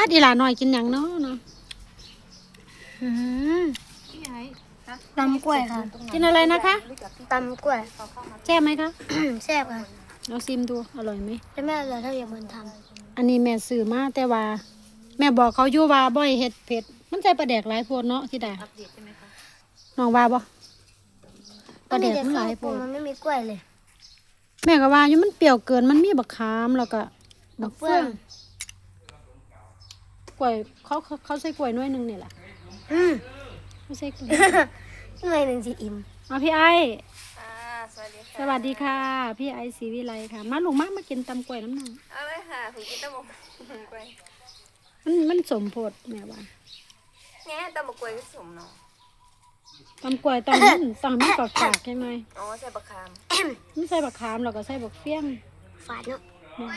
อีหลาหน่อยกินหยังเนาะเนาะตำกล้วยค่ะกินอะไรนะคะตำกล้วยแซ่บไหมคะแซ่บค่ะเราซิมดูอร่อยไหมแต่แม่เราถ้าอย่างมันทอันนี้แม่ซื้อมาแต่ว่า แม่บอกเขาอยู่ว่าบ่ให้เฮ็ดเผ็ดมันใส่ปลาแดกหลายโพดเนาะที่ดาน้องว่าบ่ำปลาแดกมันหลายโพโพดมันไม่มีกล้วยเลยแม่ก็ว่าอยู่มันเปรี้ยวเกินมันมีบักขามแล้วก็บักเฟืองกล้วยเขาใส่กล้วยหน่วยหนึงนี่แหละอืมเขาใส่กล้วยทำไมหนึ่งสิอิ่มเอาพี่ไอ้สวัสดีค่ะสวัสดีค่ะ พี่ไอ้ศรีวิไลค่ะ มาลูกมากินตำกล้วยน้ำหนังเอาเลยค่ะผมกินตะหมกกล้วยมันสมโพดแม่ว่าแง่ตะหมกกล้วยก็สมเนาะตำกล้วยต้องมีฝากใช่ไหมอ๋อใส่บะคามมันใส่บักขามแล้วก็ใส่บักเฟี้ยงฝาดเนาะ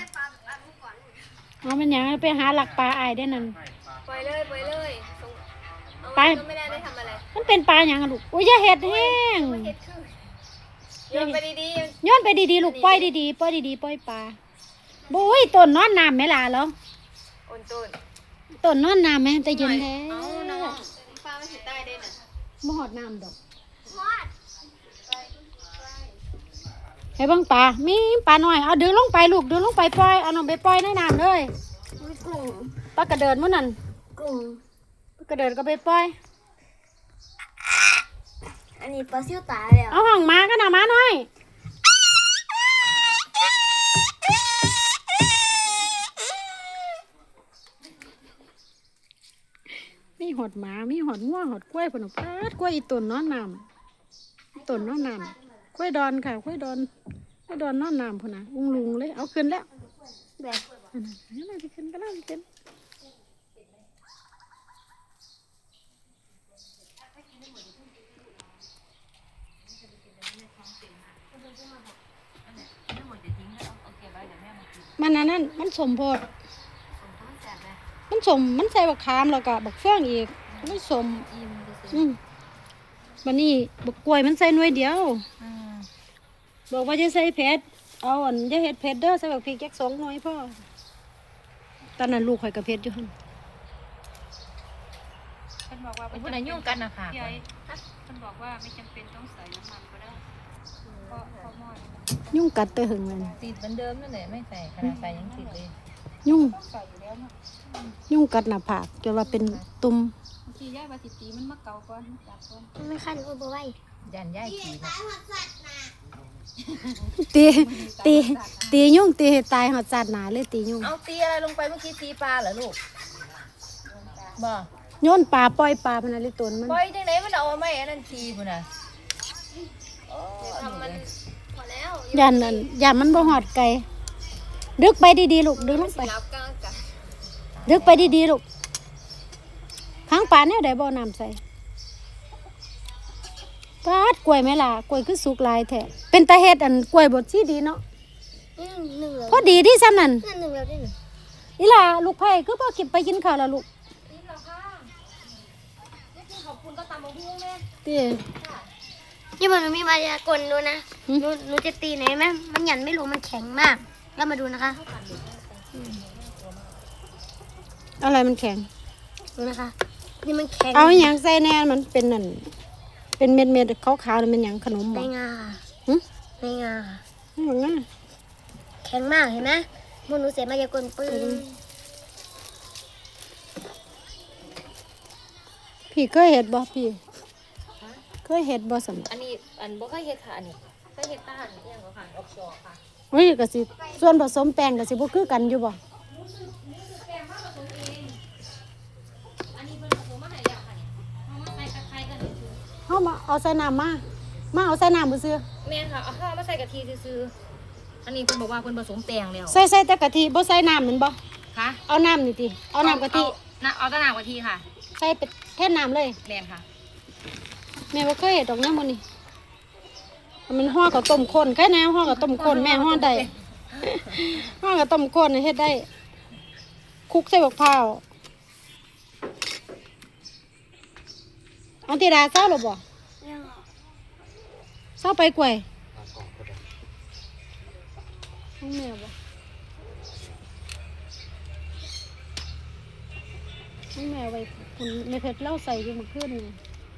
อ๋อมันหยังไปหาหลักปลาไอ้ได้นั่นปล่อยเลยปล่อยเลยส่งเอาไปไว้ก็ไม่ได้ทำอะไรมันเป็นปลาหยังอะลูกอุ้ยอย่าเห็ดแห้งเฮ็ดคือโยนไปดีย้อนไปดีๆลูกปล่อยดีๆปล่อยดีๆปล่อยปลาบุ้ยต้นนอนน้ำไหมล่ะเหรอๆโอนต้นต้นนอนน้ำไหมแต่เย็นแท้เอาน้องฟ้าไม่สิใต้ได้น่ะบ่หอดน้ำดอกให้เบิ่งปลามีปลาหน่อยเอาดึงลงไปลูกดึงลงไปปล่อยเอาน้องไปปล่อยในน้ำเลยกุ้งปลากระเดิดมื้อนั้นกุ้งปลากระเดิดก็ไปปล่อยอันนี้ปลาซิวตายแล้วเอาห้องมาก็น่ะมาหน่อยมีหอดหมามีหอดงัวหอดกล้วยพุ่นน่ะปาดกล้วยอีต้นนอนน้ำอีต้นนอนน้ำกล้วยดอนค่ะกล้วยดอนนอนน้ำพุ่นน่ะอุ้งลุงเลยเอาขึ้นแล้วแบบอันนั้นน่าจะขึ้นก็น่าจะขึ้นมันอันนั้นมันสมโพดมันสมมันใส่บักขามแล้วก็บักเฟืองอีกมันสมมันนี่บักกล้วยมันใส่หน่วยเดียวบอกว่าจะใส่เผ็ดเอาอันจะเฮ็ดเผ็ดเด้อใส่บักพริกแค่2 หน่วยพ่อตอนนั้นลูกข่อยกับเผ็ดอยู่หั่นมันบอกว่าเป็นคนไหนยุ่งกันนะค่ะพี่ไอ้มันบอกว่าไม่จำเป็นต้องใส่น้ำมันก็ได้เพราะเขาหม้อยุ่งกัดแต่หึงเลยติดเหมือนเดิมนั่นแหละไม่ใส่ขนาดใส่ยังติดเลยยุ่งใส่อยู่แล้วเนาะยุ่งกัดหน้าผากจนว่าเป็นตุ่มบางทีย่าบาสิตีมันมาเกาก่อนมันจับก่อนมันไม่ขั้นก็บ่ไหวยันย่ายขี่นะตียุ่งตีให้ตายหอดจัดหนาเลยตียุ่งเอาตีอะไรลงไปเมื่อกี้ตีปลาเหรอลูกบ่โยนปลาปล่อยปลาพนันเลยตนมันปล่อยจังไหนมันเอาไม่อันนั้นทีพุ่นน่ะทำมันพอแล้วยันมันบ่หอดไก่ดึกไปดีๆลูกดึกลงไปรับกลางกันดึกไปดีๆลูกข้างปลาเนี่ยได้บ่อน้ำใส่ปาดกล้วยไหมล่ะกล้วยคือสุกหลายแท้เป็นตาเฮ็ดอันกล้วยบดซี่ดีเนาะหนึ่งแล้วพอดีที่ซ้ำนั่นหนึ่งแล้วได้หนึ่งอีหล่าลูกไผ่คือพ่อกินไปกินข้าวแล้วลูกตีนี่มันมีมายากลดูนะหนูจะตีไหนไหมมันหยันไม่รู้มันแข็งมาก แล้วมาดูนะคะอะไรมันแข็งดูนะคะ นี่มันแข็งเอาอหย่างใส่แน่มันเป็นนั่นเป็นเม็ดๆขาวๆนั่นเป็นหยังขนมในบ่งาหึในงาค่ะไม่หรอกนะแข็งมากเห็นไหมมันหนูเสียมายากลปืนพี่เคยเห็ดบ่พี่เคยเห็ดบ่สันอันนี้อันบ่เคยเฮ็ดค่ะอันนี้เคยเฮ็ดตาหันอย่างก็ค่ะออกจอค่ะเฮ้ยก็สิส่วนผสมแป้งก็สิบ่คือกันอยู่บ่อันนี้เป็นผสมมาให้แล้วค่ะเนี่ยเอามาใส่ตะไคร้กันคือเฮามาเอาใส่น้ำมาเอาใส่น้ำซื่อแม่นค่ะเอาข้าวมาใส่กะทิซื่อๆอันนี้เพิ่นบอกว่าเพิ่นผสมแป้งแล้วใส่แต่กะทิบ่ใส่น้ำแม่นบ่ค่ะเอาน้ำนี่ติเอาน้ำกะทิเอาแตะน้ำกะทิค่ะใส่ไปแทนน้ำเลยแม่นค่ะแม่บ่เคยเห็ดดอกน้ำมื้อนี้มันห่อกับต้มข้นแค่แนวห่อกับต้มข้นแม่ห่อได้ ห่อกับต้มข้นเฮ็ดได้คลุกใส่บักพร้าวเอาติดาเศร้าหรอบ่เศร้าไปกล้วยของแม่บ่แม่เอาไว้คุณแม่เพชรเล่าใส่อยู่เมื่อคืนนี่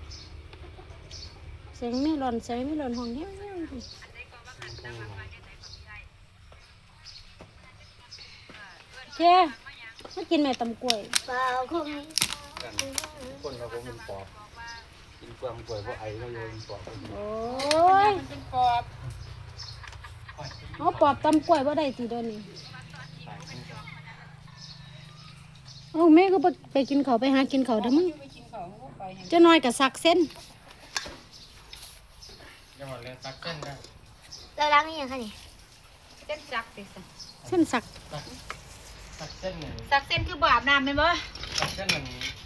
เสียงไม่หล่อนเสียงไม่หล่อนห้องเงี้ยเจ้มากินแม่ตำกล้วยเปล่าคงคนเราผมเป็นปอบกินความป่วยเพราะไอเราโยนปอบโอ้ยมันเป็นปอบเอาปอบตำกล้วยบ่ได้สิเดี๋ยวนี้เอาแม่ก็ไปกินข้าวไปหากินข้าวเด้อมึงไปกินของพวกไปเจะน้อยกับสักเส้นยังหมดเลยซักเส้นได้เราล้างนี่ยังคะนี่เส้นจักสิสะเส้นสักซักเส้นหนึ่งสักเส้นคือบอาบน้ำเป็นบ่ซักเส้นหนึ่ง